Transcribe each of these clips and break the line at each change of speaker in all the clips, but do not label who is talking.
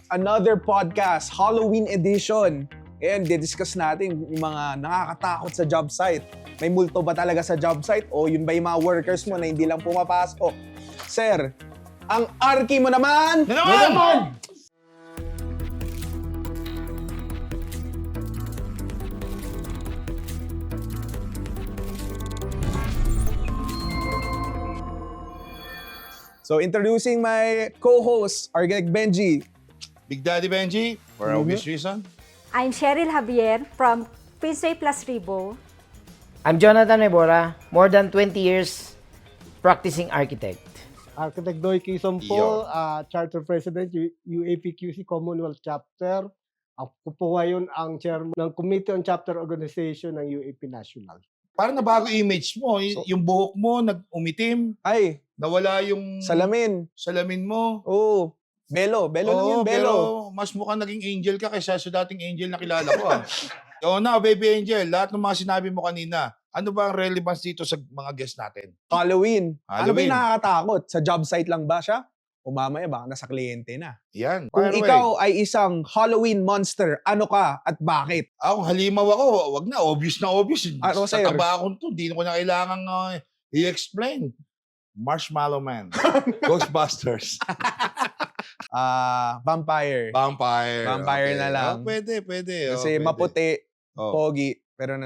another podcast, Halloween edition. Ngayon, didiscuss natin yung mga nakakatakot sa job site. May multo ba talaga sa job site? O yun ba yung mga workers mo na hindi lang pumapasok? Sir, ang arki mo naman! So, introducing my co-host, Argenic Benji.
Big Daddy Benji, for obvious reason.
I'm Cheryl Javier from Pinsay Plus Ribo.
I'm Jonathan Nebora, more than 20 years practicing architect.
Architect Doy Quezon po, Charter President, UAPQC Commonwealth Chapter. Ako po ngayon ang chairman ng Committee on Chapter Organization ng UAP National.
Parang nabago image mo. Yung buhok mo, umitim.
Ay,
Nawala yung
salamin
mo.
Oo. Belo lang yun, belo.
Pero mas mukhang naging angel ka kaysa sa dating angel na kilala ko. Oo na, baby angel. Lahat ng mga sinabi mo kanina, ano ba ang relevance dito sa mga guests natin?
Halloween. Ano ba
Halloween.
yung nakakatakot? Sa job site lang ba siya? O mamaya baka nasa kliyente na.
Yan.
Kung
Fire away.
ikaw ay isang Halloween monster, ano ka at bakit?
Kung halimaw ako, wag na. Obvious na obvious.
Ano,
Sa
sir?
taba akong to, di ko na kailangan i-explain. Marshmallow Man. Ghostbusters.
Vampire.
Vampire.
Vampire na lang.
Pwede.
Kasi
Pwede.
maputi,
Oh.
pogi, pero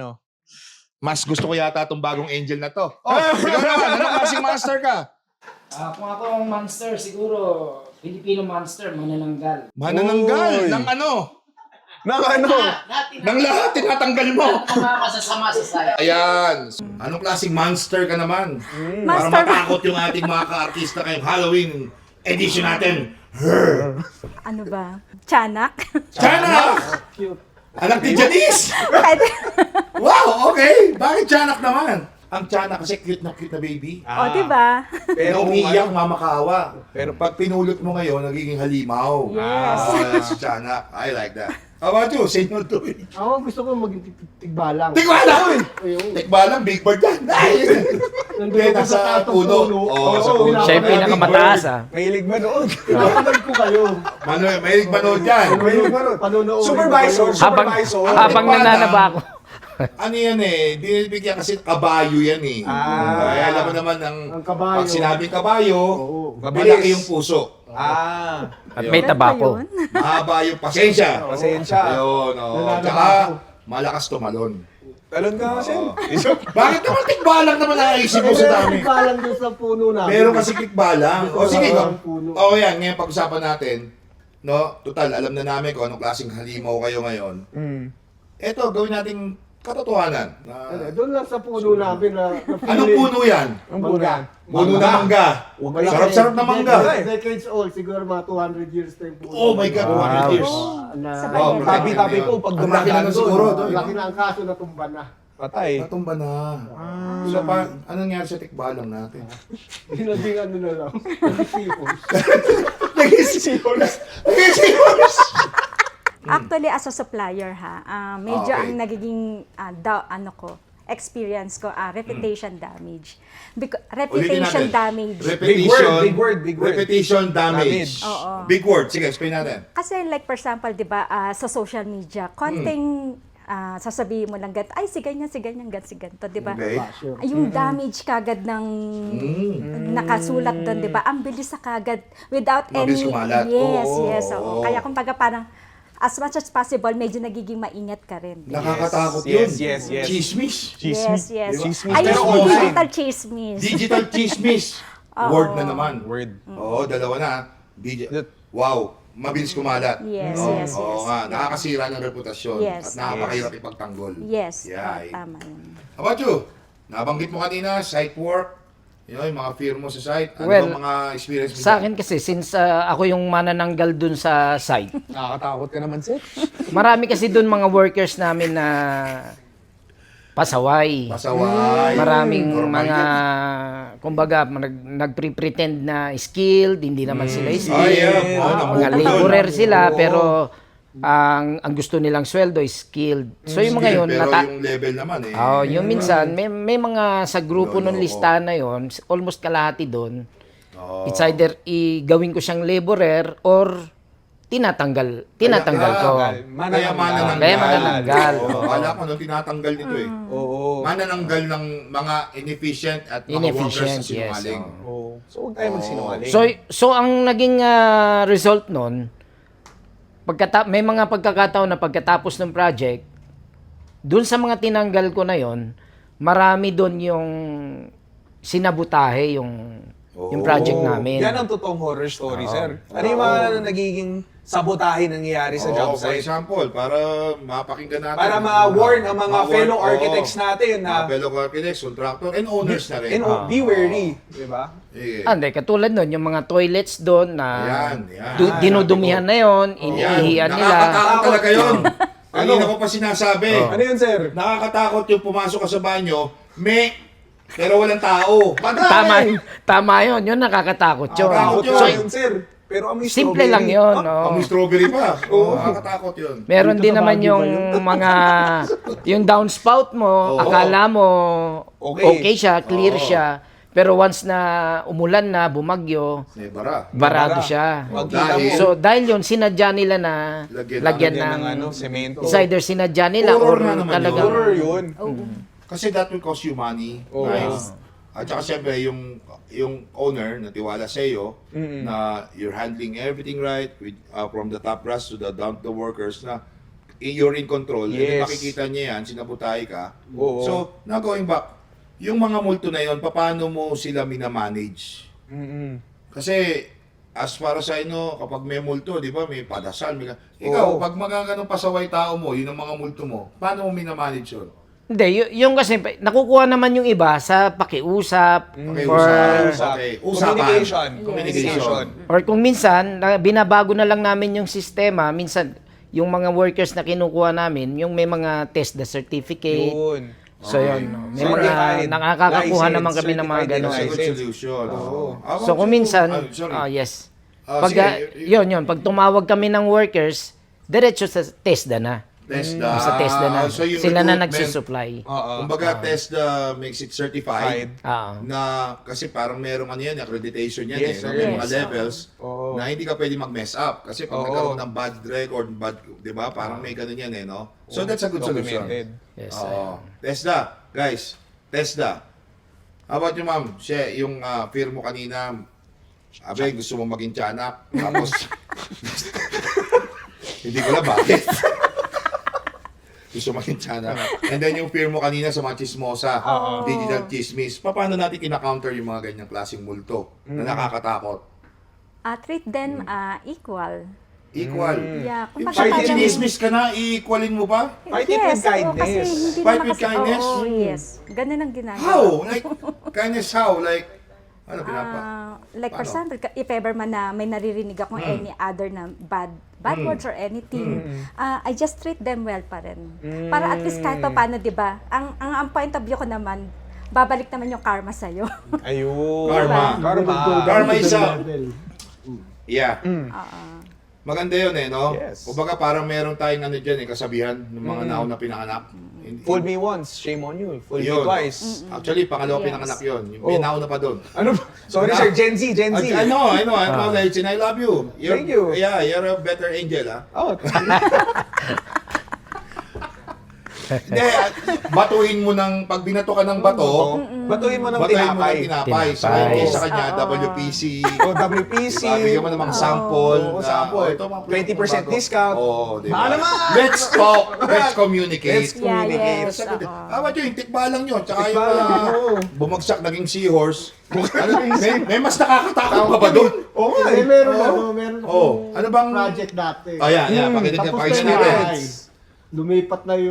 Mas gusto ko yata itong bagong angel na to. Oh, ikaw naman. Anong klaseng monster ka?
Kung ako ang monster, siguro Filipino monster, manananggal.
Manananggal.
Uy.
Ng ano?
Nang ano?
Ng lahat. Tinatanggal mo.
Mga masasama sa saya.
Ayan. Anong klaseng monster ka naman? Para
Monster-
matakot yung ating mga ka-artista ngayong Halloween edition natin.
Ano ba? Tiyanak?
Tiyanak!
Cute.
Anak ni Janice!
Pwede.
Wow, okay. Bakit Tiyanak naman? Ang Tiyanak kasi cute na baby.
O, diba?
Pero
kung
umiiyak, mamakaawa.
Pero
Pag pinulot mo ngayon, nagiging halimaw.
Yes.
Si Tiyanak. I like that. How about you? Say no to it.
Ako gusto ko maging tigbalang.
Tikbalang!
Ayun.
Tikbalang, big bird yan.
Nandun
Hindi,
ako
nasa
tatong
puno. Oo, sa puno.
Siya yung pinakamataas
mahilig ba noon?
Pinapanood ko kayo.
Manuel, mahilig manood yan.
Panonood.
Supervisor.
Habang nananaba ako.
Ano yan eh, binibigyan kasi kabayo yan eh. Ay, alam mo naman,
Ang kabayo.
pag sinabing kabayo,
Oo.
malaki yung puso.
At may tabako.
Yun.
Mahaba yung pasensya.
Pasensya.
Ayun, oh.
Nananaba
Tsaka,
ako.
malakas tumalon.
Talon ka kasi.
Bakit naman tikbalang naman naisip mo sa dami?
Tigbalang doon sa puno namin.
Meron kasi tikbalang. O sige,
Ang puno.
yan, ngayon pag-usapan natin. No, total, alam na namin kung anong klaseng halimaw kayo ngayon. Eto, gawin nating katotohanan.
Doon lang sa puno namin na
Anong puno yan?
Ang punan.
Puno na mangga. Sarap-sarap na mangga.
Decades old, siguro mga 200 years na yung puno.
Oh my God, 100 years.
Sa
Oh,
Bayero.
Tabi-tabi po pag
Ang laki na
dumadaan
siguro
doon.
doon.
Laki na ang kaso na tumba na.
Patay.
Natumba na. So, anong nangyari sa tikbalang natin?
Hinabing ano na lang. Nag-sipos.
Nag-isipos. Nag-isipos.
Actually, as a supplier, medyo
Okay.
ang nagiging experience ko, reputation damage. Reputation damage.
Repetition.
Big word.
Repetition damage.
Oo.
Big word. Sige, explain natin.
Kasi like for example, 'di ba, sa social media, konting sasabihin mo lang ay si ganyan, si ganito, 'di ba?
Okay.
Yung damage kagad ng nakasulat doon, 'di ba? Ang bilis sa kagad without
Mabilis
any
kumalat.
Yes,
Oo,
yes.
oo.
Kaya kumbaga parang as much as possible, medyo nagiging maingat ka rin.
Nakakatakot yun.
Yes.
Chismis.
Yes.
Chismis.
Ayun
Pero
yung
online.
digital chismis.
Digital chismis. Word na naman.
Word.
Oo, dalawa na. Wow. Mabilis kumalat.
Yes,
Oo,
yes,
Oo
yes.
nga. Nakakasira ng reputasyon.
Yes,
At nakakahirap ipagtanggol.
Yes,
Yeah.
tama yun.
How about you? Nabanggit mo kanina, site work. Yung mga fear mo sa site. Ano
Well,
bang mga experience mo?
Sa akin kasi, since ako yung manananggal dun sa site,
Nakakatakot ka naman, sir.
marami kasi dun mga workers namin na pasaway.
Pasaway.
Maraming
Normal
mga,
yan.
kumbaga, nagpre-pretend na skilled, hindi naman sila skilled.
yeah.
Mga laborer sila, pero ang gusto nilang sweldo is skilled. So yung mga yun,
Pero yung level naman eh.
yung minsan, may mga sa grupo
Lolo,
ng listahan na yon, almost kalahati doon.
Oo.
It's either gawin ko siyang laborer or tinatanggal ko.
Kaya manananggal.
Kaya manananggal.
Akala ko nung tinatanggal nito eh.
Oo.
Manananggal ng mga inefficient at mga workers na
Inefficient, yes.
sinungaling.
Oo. So, huwag tayo magsinungaling.
So ang naging result nun, may mga pagkakataon na pagkatapos ng project, dun sa mga tinanggal ko na yon, marami dun yung sinabutahe yung project namin.
Yan ang totoong horror story, sir. Ano yung mga nagiging sabotahe nangyayari sa job
For
site?
example, para mapakinggan natin.
Para ma-warn ang mga
Ma-warn,
fellow
oo.
architects natin
Mga
na
fellow architects, contractor, and owners na rin.
be wary. Diba?
Eh,
Hindi, katulad nun, yung mga toilets doon na
Yan.
dinudumihan na yon, iniihian nila.
Nakakatakot talaga yun. Kanina ko pa sinasabi.
Ano yun, sir?
Nakakatakot yung pumasok ka sa banyo, pero walang tao.
Tama yun, yun nakakatakot yun.
Nakakatakot
Takot
yun.
yun, sir. Pero amoy
Simple
strawberry.
lang yun. no?
Amoy strawberry pa. Oo, nakakatakot yun.
Meron
Dito
din
sa
naman
Baguio
yung
ba
mga, yung downspout mo,
Oo.
akala mo
Okay.
okay siya, clear
Oo.
siya. Pero once na umulan na, bumagyo,
Bara.
barado
Bara.
siya.
Magkita mo.
So dahil yun, sinadya nila na lagyan
Yan
ng,
semento.
it's either sinadya nila
Horror
or
na naman
talagang,
Horror yun.
Oo.
Kasi that will cost you money.
Oo.
Right? At saka siyempre, yung owner na tiwala sa iyo na you're handling everything right with from the top brass to the down to the workers na you're in control. And then
Yes.
makikita niya yan, sinabutay ka.
Oo.
So, now going back, yung mga multo na yon, paano mo sila minamanage? Kasi as para sa inyo, kapag may multo, di ba, may padasal, ikaw,
Oo.
pag magaganong pasaway tao mo, yun ang mga multo mo, paano mo minamanage yun?
hindi, yung kasi, nakukuha naman yung iba sa pakiusap,
Okay,
or,
Okay, usapan.
Communication.
Communication.
or kung minsan, binabago na lang namin yung sistema, minsan, yung mga workers na kinukuha namin, yung may mga test the certificate,
Yun.
so yun, no? May mga
Certified.
nakakakuha
License,
naman kami ng mga
certified
gano'n.
That's a good
License.
solution.
Oo.
So kung minsan,
sorry.
yes.
Sige,
Yun, pag tumawag kami ng workers, diretso sa TESDA na.
TESDA.
Sa TESDA na.
So yung
Sila na
recruitment,
nagsusupply.
Kumbaga, TESDA makes it certified.
Ah.
Na kasi parang merong ano yan, accreditation yan
Yes,
no?
sir.
May mga
Yes.
levels
Oo.
na hindi ka pwede mag-mess up. Kasi pag
Oo.
nagkaroon ng bad record, di ba? Parang may ganun yan no? So that's a good solution.
Documented.
Yes.
Oo. TESDA, guys. TESDA. How about you, ma'am? Siya, yung fear mo kanina, abe, gusto mo maging tiyanak. Tapos, hindi ko alam bakit. Gusto maging tiyanak. And then yung fear mo kanina sa mga chismosa, digital chismis. Paano natin kina-counter yung mga ganyang klaseng multo na nakakatakot?
Treat them equal.
Equal.
Yeah,
Yung
kumbaga
kahit
parang-
chinismis ka na, i-equalin mo ba?
Fight it with
oo,
kindness.
kasi hindi
Fight
naman
with
kasi,
kindness?
Oo, yes. Ganun ang ginagawa.
How? Like, kindness how? Like, ano pinapa?
Like for
Paano?
example, if ever man na may naririnig akong any other na bad words or anything, I just treat them well pa rin. Para at least kahit pa paano, di ba? Ang point of view ko naman, babalik naman yung karma sa'yo.
Ayun.
Karma.
Karma.
Karma is a-
level.
Yeah. Maganda yun no?
Yes.
Kumbaga parang meron tayong ano dyan kasabihan ng mga nauna pinanganak.
Fool me once, shame on you. Fool me
Yun.
twice.
Actually, pangalawa
Yes.
pinanganak yun. May nauna pa doon.
Ano? Sorry, sir. Gen Z.
I know, acknowledge and I love you.
Thank you.
Yeah, you're a better angel, ha?
Oh,
Hindi, batuhin mo ng, pag binato ka ng bato,
batuhin mo ng
batuhin mo ng
tinapay.
tinapay. So, in case sa kanya, WPC,
O WPC.
diba, bigyan mo ng mga sample.
Oo,
na,
sample.
ito, mga
20%
bato.
discount.
Oo, diba?
Baka naman!
Let's talk. Let's communicate.
Let's communicate.
yes.
Tama yun, tikba lang yun. Tsaka yung
Tikba lang, oo.
bumagsak naging seahorse. may mas nakakatakot pa ba doon?
Oo nga.
Eh, meron
Oh, ano bang
project dati.
Ayan, pakita niya,
Tapos
pakita
na
natin.
bahay. Lumipat na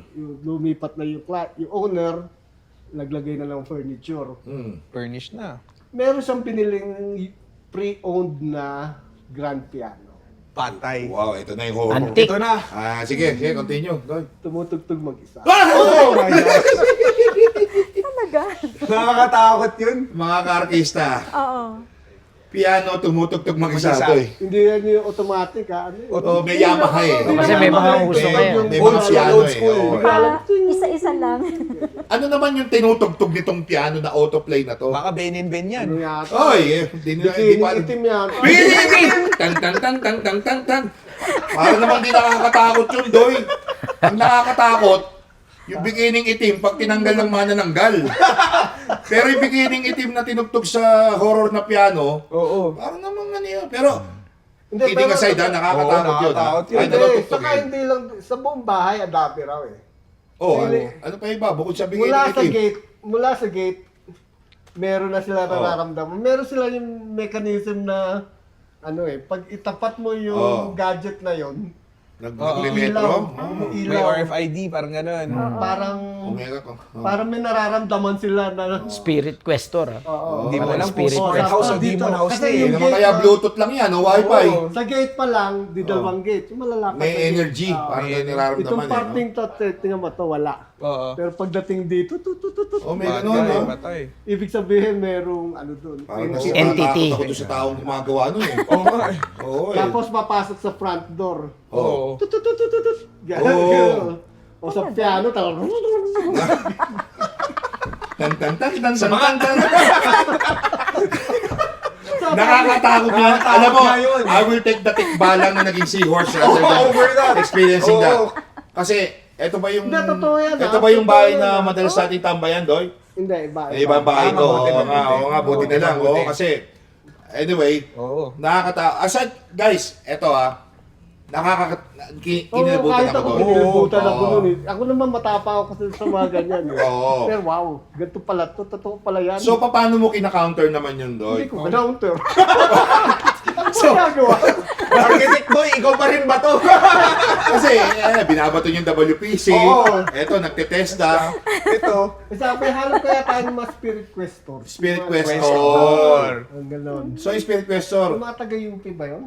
yung owner, naglagay na ng furniture.
Furnished na.
Meron siyang piniling pre-owned na grand piano.
Patay.
Wow, ito na yung horror.
Antique.
Ito na.
Sige, continue. Go.
Tumutugtog mag-isa.
Oh my God.
Talaga?
Nakakatakot yun.
Mga kaartista,
Oo.
piano, tumutugtog mag-isa
Mag-isa.
to eh.
Hindi yan yung automatic ha. Ano yun?
Oh, may Yamaha eh.
Kasi may mga uso ngayon.
May mga piano eh. Oo.
Isa isa-isa lang.
Ano naman yung tinutugtog nitong piano na autoplay na to?
Baka Ben and Ben yan.
Ano yata?
Oy, hindi
Bikini
pa.
itim yan.
Bikini itim! Tan tan tan tan tan tan tan. Para naman di nakakatakot yun, Doy. Ang nakakatakot, yung bikining itim pag tinanggal ng manananggal. Pero yung bikining itim na tinugtog sa horror na piano,
Oo.
parang naman ano yun. Pero,
Hindi,
kidding
pero-
aside, nakakatakot yun.
nakakatakot yun.
Ay,
Hindi,
natutugtog
saka
yun.
hindi lang, sa buong bahay, adapi raw eh.
Oh,
Hindi.
ano pa iba? Bukod sa bikining
Mula sa
itim.
gate, meron na sila nararamdaman. Meron sila yung mechanism na, ano eh, pag itapat mo yung gadget na yon,
Nagmetro.
May
ilaw,
RFID, parang ganun.
parang,
Umega ko.
parang may nararamdaman sila na,
Spirit Questor.
oo.
Hindi mo
Parang
alam kung
spirit.
smart house o
Dito.
demon house
Kasi
na eh.
yung
Hindi naman
gate
kaya
na-
Bluetooth lang yan, o Wi-Fi.
Oo.
Sa gate pa lang, di dalawang gate. Yung malalapad
May
na gate.
energy.
Oo.
Parang
may
may nararamdaman
Itong
eh. No?
parting to, tingnan mo to, wala.
Oo.
Pero pagdating dito,
Oh, may
Batay,
ganun, no?
batay.
ibig sabihin merong ano doon.
Parang
Entity.
Entity.
Ako doon sa taong gumagawa nun eh.
Oo nga eh.
Oo eh.
Tapos papasok sa front door.
Oo.
Tututututut. Ganun,
Oo.
ganun. O sa piano, talagang...
Tan tan tan tan tan tan. Nakakatakot yan. Alam mo,
nga yun.
I will take the tikbalang na naging seahorse rather than
Over that.
experiencing that.
Oo.
Kasi, eto ba yung...
Hindi, totoo yan,
Ito
ah.
ba yung bahay
Totoo yan,
na
ah.
madalas natin tambayan, Doy?
Hindi, iba.
May ibang bahay
Ah,
to.
mabuti,
Oo nga,
mabuti.
oo nga, buti na lang.
Mabuti.
Oo, kasi, anyway,
Oo.
Aside, guys, eto kinilabutan
kahit
ako
ako
doon.
kinilabutan
Oo.
ako nun eh. Ako naman matapang ako kasi sa mga ganyan eh.
Oo.
Pero wow, ganito pala to, totoo pala yan.
So, paano mo kina-counter naman yun,
hindi
Doy?
ko counter.
So,
Ginagawa.
architect boy, ikaw pa rin ba to?
Kasi, binabato yung WPC.
Oo.
Eto, nagtetesta.
Ito.
Sabi, halap kaya tayo ng mga spirit questor.
Spirit
Mga-
Questor.
Ang ganon.
So, yung Spirit Questor.
Yung mga taga-UP ba yun?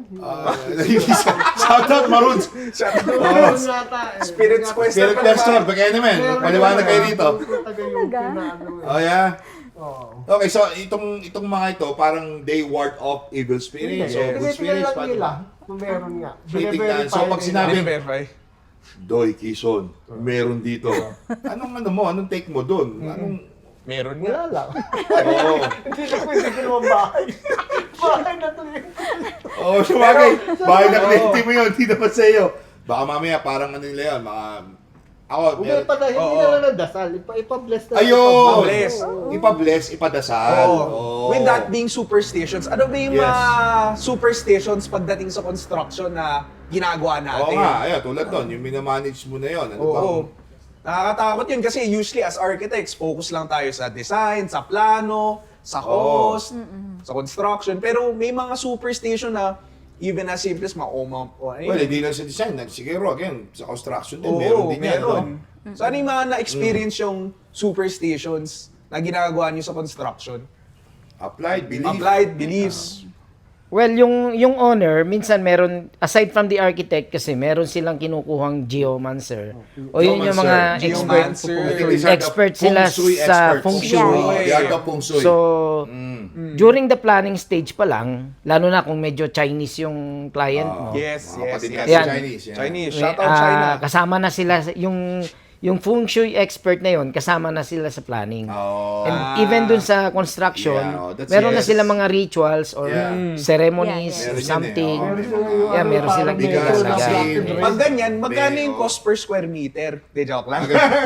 Shout out, Maroons.
Meron yata eh.
Spirit
Meron yata.
Questor.
Spirit Questor. Bigay naman.
Meron
Paliwanag
yun,
kayo
ah.
dito.
Taga-UP na ano eh.
Oh, yeah.
Oo.
Okay, so itong mga ito, parang they ward off evil spirits. So, good
Tinitingnan
spirits.
lang
paano?
nila kung meron nga.
Tinitingnan. So, pag
nila.
sinabi-
Verify.
Doy, Quezon, meron dito. Anong take mo doon? Anong,
Meron
Wala
nga.
lang.
oo.
Hindi na pwede ko naman bahay. Bahay na to eh.
Oo, sabagay. Bahay na kliyente mo yun, hindi naman sa'yo. Baka mamaya parang ano nila yun, ako,
Hindi pa na, hindi
Oo.
na lang ng dasal. Ipa-bless na.
Ayun!
Ipa-bless.
Ipa-bless, ipadasal.
Oo.
Oo.
With that being superstitions, ano ba yung
Yes.
mga superstitions pagdating sa construction na ginagawa
Oo
natin?
nga, ayan, tulad nun, yung minamanage mo na yun. Ano
Oo.
bang,
Nakakatakot yun kasi usually as architects, focus lang tayo sa design, sa plano, sa cost, sa construction. Pero may mga superstition na even as simple as
well, hindi lang sa design, siguro, again, sa construction din,
Oo,
meron din yan.
meron.
No?
So ano yung mga na-experience yung superstitions na ginagawa niyo sa construction?
Applied, belief.
Applied beliefs.
Well, yung owner, minsan meron, aside from the architect kasi, meron silang kinukuhang geomancer. O yun yung mga
Geomancer.
expert.
Geomancer.
I think these are the
Expert
feng
sila
shui
sa
experts.
feng shui.
Oo, they are the feng shui.
So,
Mm.
during the planning stage pa lang, lalo na kung medyo Chinese yung client mo,
Yes,
Mga
yes,
kapatid
yes.
natin
Yan.
Chinese. Yan.
Chinese.
may,
Shout out China.
kasama na sila, yung feng shui expert na yun, kasama na sila sa planning.
Oo.
And even dun sa construction,
Yeah, oh, that's
meron na
yes.
sila mga rituals or
Yeah.
ceremonies
Yeah,
or
yeah.
something.
Meron
Meron sila yung
Yeah,
ano,
meron silang
parang
bigas,
medyo
asin.
naka-black
Pag
and
ganyan, magkano
May-
yung cost per square meter? De joke lang.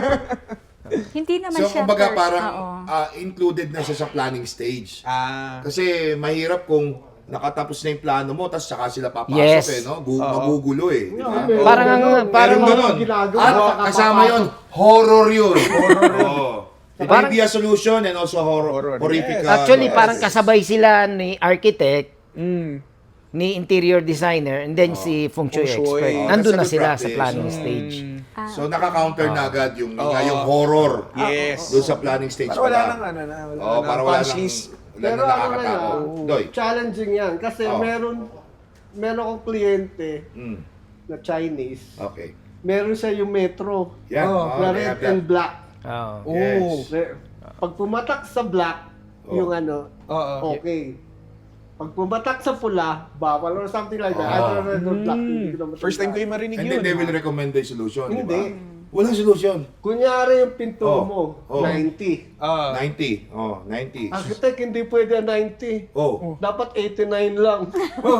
Hindi naman
So,
siya
kumbaga
first.
parang
Oo.
included na siya sa planning stage.
Ah.
Kasi mahirap kung nakatapos na yung plano mo, tapos saka sila papasok
Yes.
no? Magugulo eh. Di ba?
Meron
Parang
ganun.
ang- parang
Meron ganun.
ginagawa,
At
saka
kasama
papasok.
yun, horror yun. Oo. It may
Parang-
be a solution and also
Horror.
horrific.
Yes.
Actually,
yes.
parang kasabay sila ni architect,
Mm.
ni interior designer, and then si feng shui
Feng shui.
expert.
Oh,
Nandun na
that's a good
sila sa
practice.
planning
Mm.
stage.
So naka-counter na agad yung,
Oo.
yung horror
Yes.
doon sa planning stage.
Para wala
pa lang.
nang ano na. Wala
Oo,
nang
para wala
punch
nang,
list.
wala
Pero
nang
ano na
nakakatakot.
yan,
Doy.
challenging yan. Kasi
Oh.
meron akong kliyente
Mm.
na Chinese.
Okay.
Meron siya yung metro.
Yan.
Oh,
Na
they
red
have that.
and black.
Oh.
Oh.
Yes.
Pag pumatak sa black,
Oh.
yung ano,
Oo.
okay. Pag pumatak sa pula, bawal or something like that.
Oh.
Either red or black. Hindi ko naman
First time ko
tandaan.
yung marinig
And
yun.
then they will recommend the solution, di ba?
Hindi.
Walang solution.
Kunyari yung pinto
Oh.
mo,
Oh.
90.
90. 90.
Architect, hindi pwede 90.
Oh.
Dapat 89 lang.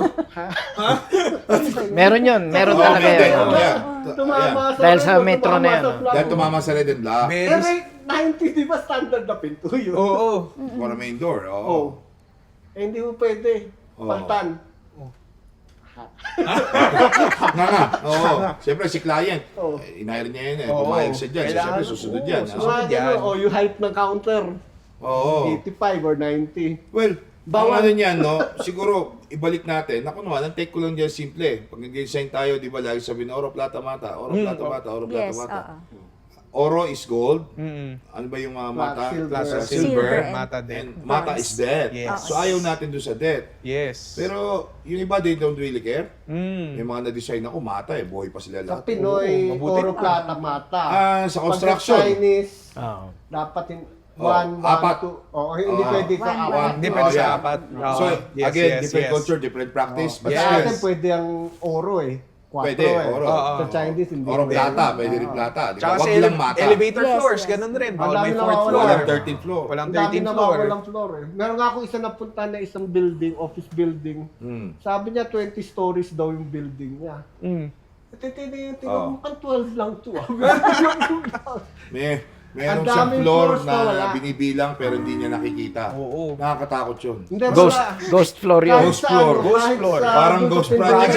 Meron yun. Meron
Oh,
talaga
pwede.
yun. Oo.
Yeah.
Tumama sa
Dahil sa
red,
metro
tumama
na yan,
sa
oh.
flag.
Dahil tumama sa red and black.
Very
Eh, 90, di ba standard na pinto yun?
Oo.
For a main door. Oo.
Oh. Eh, hindi mo pwede.
Oh.
Paltan.
Nga. Oo. Siyempre si client,
Oo.
inahir niya yun eh.
Oo.
Pumayag siya dyan. So,
Kailangan-
siyempre susunod
oo,
yan.
susunod.
ah.
Mga ganun,
yan.
oh, yung height ng counter,
Oo.
85 or 90.
Well,
Bawal.
ang ano niyan, no? Siguro, ibalik natin. Ako naman, ang take ko lang dyan simple. Pag nag-design tayo, di ba, lagi sabihin, oro, plata, mata. Oro, plata, mata. Oro, plata,
Yes,
mata.
oo.
Oro is gold.
Mm-mm.
Ano ba yung mata?
Silver.
Silver.
Silver
Mata
And
din.
mata is death.
Yes.
So, ayaw natin doon sa death.
Yes.
Pero, yung iba, they don't really care.
Mm.
Yung mga na-design ako, mata eh. Buhay pa sila
Sa
lahat.
Pinoy,
Oo, mabuti.
oro, plata, mata.
Sa
Pag
construction.
sa Chinese,
Oo.
dapat in
Oh,
1,
apat.
2. Oh, hindi
Oh.
pwede sa
One,
apat.
one.
Hindi pwede sa
yeah.
apat.
So,
Yes,
again,
yes,
different
yes.
culture, different practice. But
Sa
Yes.
atin pwede ang oro eh. 4
Pwede,
eh.
oro.
Sa Chinese, hindi.
Oro
pwede.
plata, pwede rin plata. Di ba?
Tsaka
Wag
sa
lang mata.
elevator
Yes,
floors,
yes.
ganun rin.
Ang
Bawal
dami
may
na
4th
mawawala.
floor.
Walang 13th floor.
Walang
Ang dami
13th
na
floor.
walang floor eh. Meron nga ako isa napunta na isang building, office building.
Hmm.
Sabi niya 20 stories daw yung building niya.
Mm.
Titignan
Oh.
mo, 12 lang to.
Meron
Ang
siyang
daming
floor
floors na wala.
na binibilang pero hindi niya nakikita.
Oo.
Nakakatakot yun.
Hindi,
Ghost floor yun.
Ghost floor.
Ghost floor.
Parang ghost project.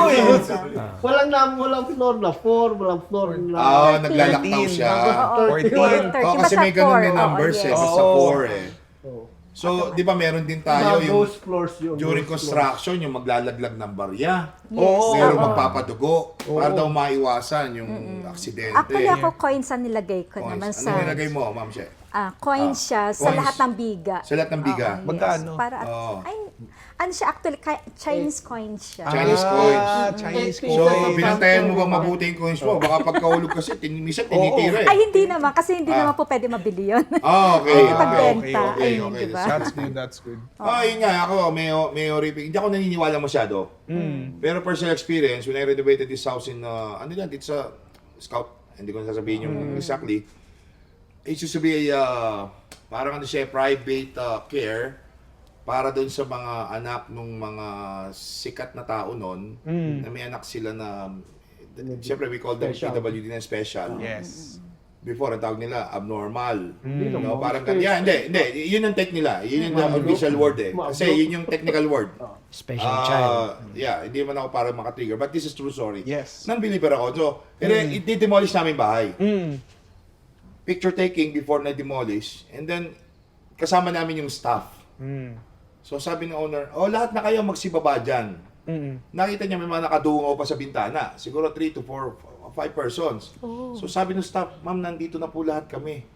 Walang floor na 4, walang floor na...
Naglalaktaw siya.
14.
30.
Kasi may
Basta
ganun
four.
may
Oo,
numbers eh.
yes.
Basta
Oo.
4 eh. So, di ba meron din tayo
Mga
yung
ghost floors yun.
during
ghost
construction, yung maglalaglag ng barya.
Yes.
Meron
oo.
magpapadugo para daw maiwasan yung aksidente.
Actually, ako coins ang nilagay ko
Coins.
naman
Ano
sa...
nilagay mo, Ma'am She?
coins siya sa
coins.
lahat ng biga.
Sa lahat ng biga?
Oo, yes.
Magkano?
Para,
Oo.
ay, ano siya actually, Chinese coins siya.
Chinese coins.
Chinese
So,
So,
coins.
binantayan mo bang mabuti yung coins mo? Baka pagkahulog kasi, minsan tinitira eh.
Ay, hindi naman. Kasi hindi naman po pwede mabili yun.
Okay.
Hindi pagbenta.
okay,
Ayun,
okay.
diba?
That's good, that's good.
Yun nga, ako, may horrific. Hindi ako naniniwala masyado. Pero personal experience, when I renovated this house in, dito sa Scout, hindi ko nasasabihin yung exactly. It used to be a, parang private care para doon sa mga anak ng mga sikat na tao noon, na may anak sila na, siyempre we call them
Special.
PWD na special.
Yes.
Before, ang tawag nila, abnormal.
Hindi
No,
naman.
parang ganyan. Hindi. Yun ang tech nila. Yun yung official word eh. Kasi yun yung technical word.
Special child.
Yeah, hindi man ako para makatrigger. But this is true story.
Yes.
Non-believer ako. So, i-demolish namin bahay.
Mm.
Picture taking before na-demolish. And then, kasama namin yung staff.
Mm.
So, sabi ng owner, lahat na kayo magsibaba dyan.
Mm.
Nakita niya may mga nakadungaw pa sa bintana. Siguro 3 to 4, 5 persons. So, sabi ng staff, ma'am, nandito na po lahat kami.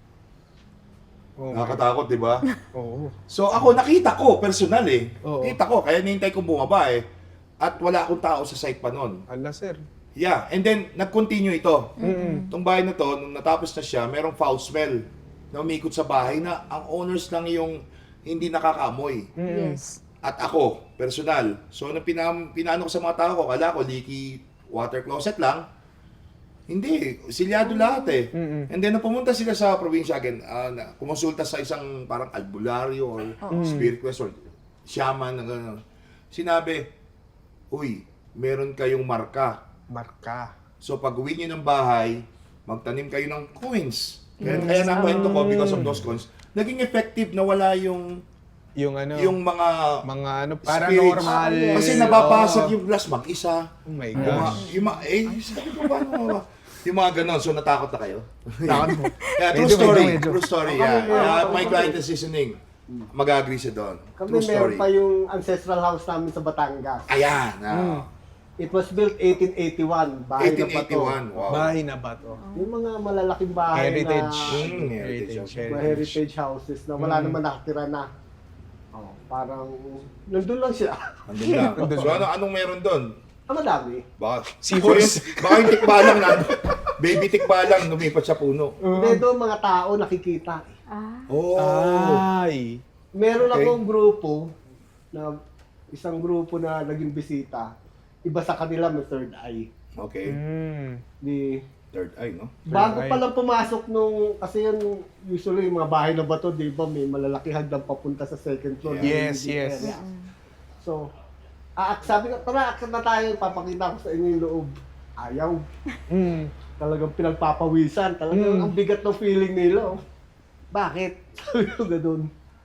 Oh,
Nakakatakot, di ba?
Oo.
So ako nakita ko personal eh.
Oo.
Kita ko kaya nihintay kong bumaba eh. At wala akong tao sa site pa noon.
Ala, sir.
Yeah, and then nag-continue ito. Itong bahay na to, nung natapos na siya, merong foul smell na umikot sa bahay na ang owners lang yung hindi nakakaamoy.
Yes.
At ako, personal. So nung pinano ko sa mga tao ko, kala ko leaky water closet lang. Hindi, silyado lahat eh. And then nung pumunta sila sa probinsya again, kumonsulta sa isang parang albularyo or spirit quest or shaman, sinabi, uy, meron kayong marka.
Marka.
So pag uwi nyo ng bahay, magtanim kayo ng coins. Kaya nakwento ko because of those coins, naging effective na wala yung
Yung ano,
yung mga
ano,
spirits.
paranormal.
Kasi nababasag yung glass mag-isa.
Oh my
Yung mga,
gosh.
sabi ko ba, yung mga ganon, so natakot na kayo?
Takot mo.
Yeah, true
Medyo,
story,
medyo.
true story,
Kami
yeah.
meron-
My client is listening. Mag-agree siya doon.
Kami
True story.
meron pa yung ancestral house namin sa Batangas.
Ayan,
It was built 1881. Bahay na pa to.
1881, wow.
Bahay na ba to?
Yung mga malalaking bahay
Heritage.
na
Heritage.
mga heritage houses na wala naman nakatira na. Parang nandun lang siya.
Andun lang. So anong meron doon?
Madami.
Baka,
Seahorse.
baka yung tikbalang na, baby tikbalang lumipat sa puno.
Hindi doon mga tao nakikita.
Ay.
Meron
Okay.
akong grupo na isang grupo na naging bisita. Iba sa kanila may third eye.
Okay.
Mm.
Di
Third eye, no?
Bago
eye.
pa lang pumasok nung, kasi yun, usually yung mga bahay na bato, di ba, may malalaki hagdan papunta sa second floor.
Yes,
Living
yes.
area. So, sabi ko, tara, akit na tayo, papakita ko sa inyo yung loob. Ayaw.
Mm.
Talagang pinagpapawisan. Talagang ang bigat ng feeling nila. Oh. Bakit? Sabi ko ganun.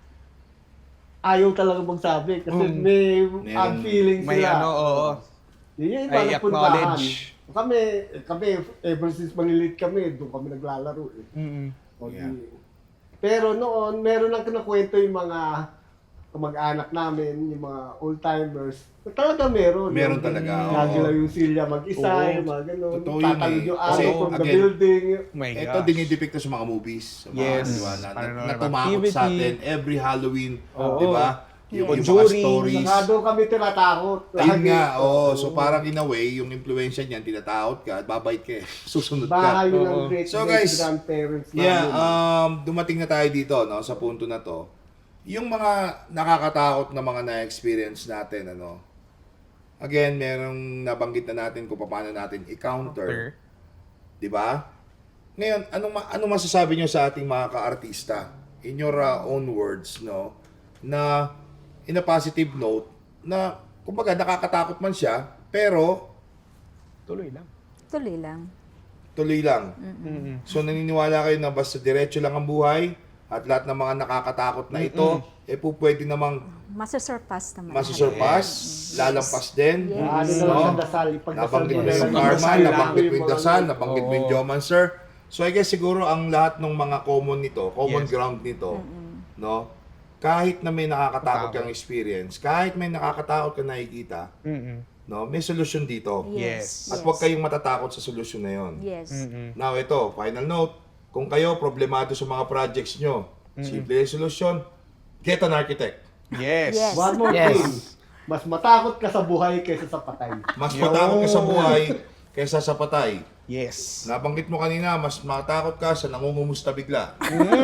Ayaw talaga magsabi kasi may
Merong-
feeling
May
sila.
ano, oo.
Yun yung
I
iba na puntahan.
acknowledge.
Kami, ever since malilit kami, doon kami naglalaro eh.
Mm.
O di-
Yeah.
Pero noon, meron lang kinakwento yung mga kamag-anak namin, yung mga old-timers. Talaga meron.
Meron
Yung
talaga,
Lagi
oo.
lang yung silya mag-isa,
Oo.
yung mga ganun.
Totoo yun
Tatalon
eh.
yung
Kasi,
araw from the
again,
building.
Oh my
Ito
gosh.
dinidepicta sa mga movies. Sa mga,
Yes.
di ba, na
Paranormal
tumakot sa
activity.
atin every Halloween.
Oo.
Di ba? Yung mga
Conjuring.
stories.
Saka doon kami tinatakot.
Ayun
Lagi.
nga,
Oo.
so parang in a way, yung influensya niyan, tinatakot ka, at babait ka eh. Susunod
Bahay
ka.
yun
Oo.
ng great
So, guys,
grandparents namin.
Yeah, dumating na tayo dito, no, sa punto na to. Yung mga nakakatakot na mga na-experience natin, ano, again, merong nabanggit na natin kung paano natin i-counter. Di ba? Ngayon, anong masasabi nyo sa ating mga ka-artista? In your own words, no? Na, in a positive note, na, kumbaga, nakakatakot man siya, pero,
Tuloy lang.
Tuloy lang.
tuloy lang.
Mm-mm.
So, naniniwala kayo na basta diretso lang ang buhay, at lahat ng mga nakakatakot na ito, po pwede namang
Masusurpass naman.
masusurpass, lalampas din.
Yes.
Ano na lang sa dasal, ipagdasal
Nabanggit
mo
mo
na
yung
lang.
karma,
Dasal lang.
nabanggit mo yung
Yung mga-
dasal, nabanggit mo yung
Oo.
geomancer. So I guess siguro ang lahat ng mga common nito, common
Yes.
ground nito, no? Kahit na may nakakatakot kang experience, kahit may nakakatakot kang nakikita,
Mm-mm.
no? May solusyon dito.
Yes.
At huwag kayong matatakot sa solusyon na yon.
Yes.
Mm-mm.
Now ito, final note, kung kayo problemado sa mga projects nyo, simple yung solusyon, get an architect.
Yes.
Yes.
One more
Yes.
thing. Mas matakot ka sa buhay kaysa sa patay.
Mas
Yo.
matakot ka sa buhay kaysa sa patay.
Yes.
Nabanggit mo kanina, mas matakot ka sa nangungumusta bigla.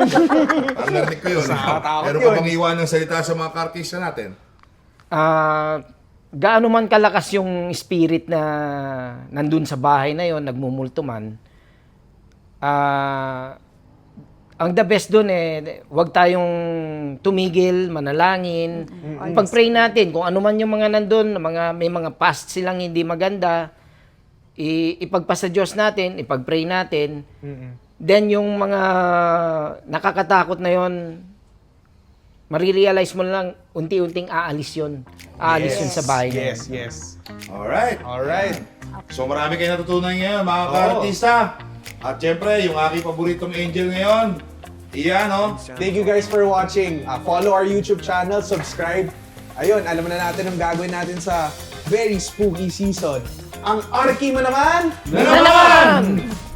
Ang narinig ko yun.
Nakakatakot
Pero
yun.
kung bang iwan ng salita sa mga kartista natin,
Gaano man kalakas yung spirit na nandun sa bahay na yon, nagmumulto man, ang the best dun wag tayong tumigil, manalangin. Pag-pray natin kung ano man yung mga nandun, may mga past silang hindi maganda, ipagpasa Diyos natin, ipag-pray natin. Then yung mga nakakatakot na yon, marirealize mo lang, unti-unting aalis yun. Aalis yun sa bahay na
Yes,
yun.
yes.
alright.
Alright.
So marami kayo natutunan ngayon, mga kartista. At syempre, yung aking paboritong angel ngayon, iyan, no?
Thank you guys for watching. Follow our YouTube channel, subscribe. Ayun, alam na natin ang gagawin natin sa very spooky season. Ang Arky mo naman!
Na naman!